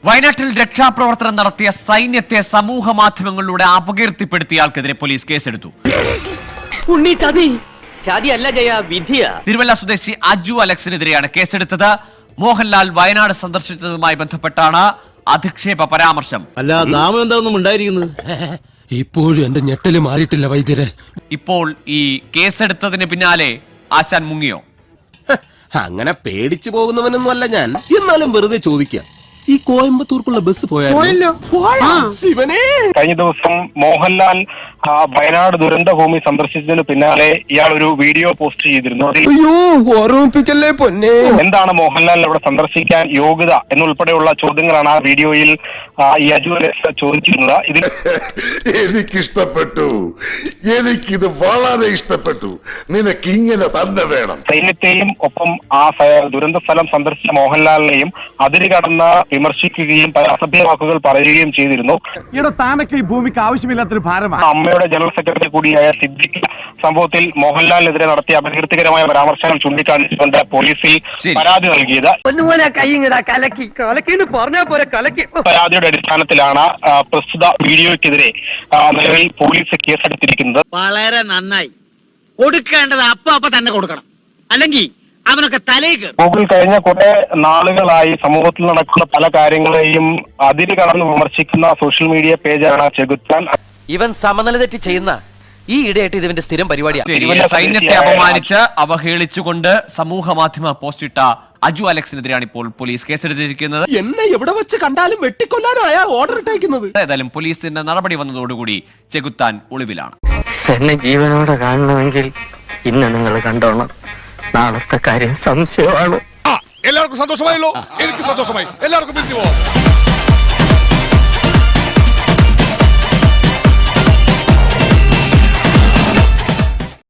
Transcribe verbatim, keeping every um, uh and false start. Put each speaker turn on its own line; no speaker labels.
വയനാട്ടിൽ രക്ഷാപ്രവർത്തനം നടത്തിയ സൈന്യത്തെ സമൂഹ മാധ്യമങ്ങളിലൂടെ അപകീർത്തിപ്പെടുത്തിയയാൾക്കെതിരെ പോലീസ് കേസെടുത്തു. തിരുവല്ല സ്വദേശി അജു അലക്സിനെതിരെയാണ് കേസെടുത്തത്. മോഹൻലാൽ വയനാട് സന്ദർശിച്ചതുമായി ബന്ധപ്പെട്ടാണ് അധിക്ഷേപ പരാമർശം.
അല്ല നാമം എന്താണെന്നും ഉണ്ടായിരിക്കുന്നത്.
ഇപ്പോഴും എന്റെ ഞെട്ടല് മാറിയിട്ടില്ല വൈദ്യരെ.
ഇപ്പോൾ ഈ കേസെടുത്തതിന് പിന്നാലെ ആശാൻ മുങ്ങിയോ?
അങ്ങനെ പേടിച്ചു പോകുന്നവനൊന്നും അല്ല ഞാൻ. എന്നാലും വെറുതെ ചോദിക്കാം, ഈ കോയമ്പത്തൂർക്കുള്ള ബസ് പോയാലോ?
കഴിഞ്ഞ ദിവസം മോഹൻലാൽ വയനാട് ദുരന്ത ഭൂമി സന്ദർശിച്ചതിന് പിന്നാലെ ഇയാൾ ഒരു വീഡിയോ പോസ്റ്റ് ചെയ്തിരുന്നു.
ഓർമ്മിപ്പിക്കല്ലേ പൊന്നെ.
എന്താണ് മോഹൻലാൽ അവിടെ സന്ദർശിക്കാൻ യോഗ്യത എന്നുൾപ്പെടെയുള്ള ചോദ്യങ്ങളാണ് ആ വീഡിയോയിൽ ഈ അജു അലക്സ് ചോദിച്ചിരുന്നത്. ഇതിൽ
എനിക്കിഷ്ടപ്പെട്ടു, എനിക്കിത് വളരെ ഇഷ്ടപ്പെട്ടു. നിനക്ക് ഇങ്ങനെ തന്നെ വേണം.
സൈന്യത്തെയും ഒപ്പം ആ ദുരന്ത സ്ഥലം സന്ദർശിച്ച മോഹൻലാലിനെയും അതിര് കടന്ന് വിമർശിക്കുകയും അസഭ്യ വാക്കുകൾ പറയുകയും ചെയ്തിരുന്നു.
താനൊക്കെ ഈ ഭൂമിക്ക് ആവശ്യമില്ലാത്തൊരു ഭാരമാണ്.
അമ്മയുടെ ജനറൽ സെക്രട്ടറി കൂടിയായ സിദ്ദിഖ് സംഭവത്തിൽ മോഹൻലാലിനെതിരെ നടത്തിയ അപകീർത്തികരമായ പരാമർശങ്ങൾ ചൂണ്ടിക്കാണിച്ചുകൊണ്ട് പോലീസിൽ പരാതി നൽകിയത്. പരാതിയുടെ അടിസ്ഥാനത്തിലാണ് പ്രസ്തുത വീഡിയോയ്ക്കെതിരെ നിലവിൽ പോലീസ് കേസെടുത്തിരിക്കുന്നത്.
വളരെ നന്നായി. കൊടുക്കേണ്ടത് അപ്പൊ അപ്പൊ തന്നെ കൊടുക്കണം, അല്ലെങ്കിൽ അവനൊക്കെ തലേക്ക്.
ഗൂഗിൾ കഴിഞ്ഞ കുറെ നാളുകളായി സമൂഹത്തിൽ നടക്കുന്ന പല കാര്യങ്ങളെയും അതിര് കടന്ന് വിമർശിക്കുന്ന സോഷ്യൽ മീഡിയ പേജാണ് ചെകുത്താൻ.
ഇവൻ സമനില തെറ്റി ചെയ്യുന്ന ഈ ഇടയായിട്ട് ഇതിന്റെ സ്ഥിരം പരിപാടിയാണ്.
സൈന്യത്തെ അപമാനിച്ച് അവഹേളിച്ചുകൊണ്ട് സമൂഹ മാധ്യമ പോസ്റ്റ് ഇട്ട അജു അലക്സിനെതിരെയാണ് ഇപ്പോൾ പോലീസ് കേസെടുത്തിരിക്കുന്നത്.
എന്നെ എവിടെ വെച്ച് കണ്ടാലും വെട്ടിക്കൊല്ലാനാണ് ഓർഡർ ഇട്ടേക്കുന്നത്.
ഏതായാലും പോലീസിന്റെ നടപടി വന്നതോടുകൂടി ചെകുത്താൻ ഒളിവിലാണ്.
എന്നെ ജീവനോടെ കാണണമെങ്കിൽ ഇന്ന് നിങ്ങൾ കണ്ടോണം. നാളത്തെ കാര്യം സംശയമാണ്.
എല്ലാവർക്കും സന്തോഷമായല്ലോ. എനിക്ക് സന്തോഷമായി. എല്ലാവർക്കും പിരിഞ്ഞു പോവാം.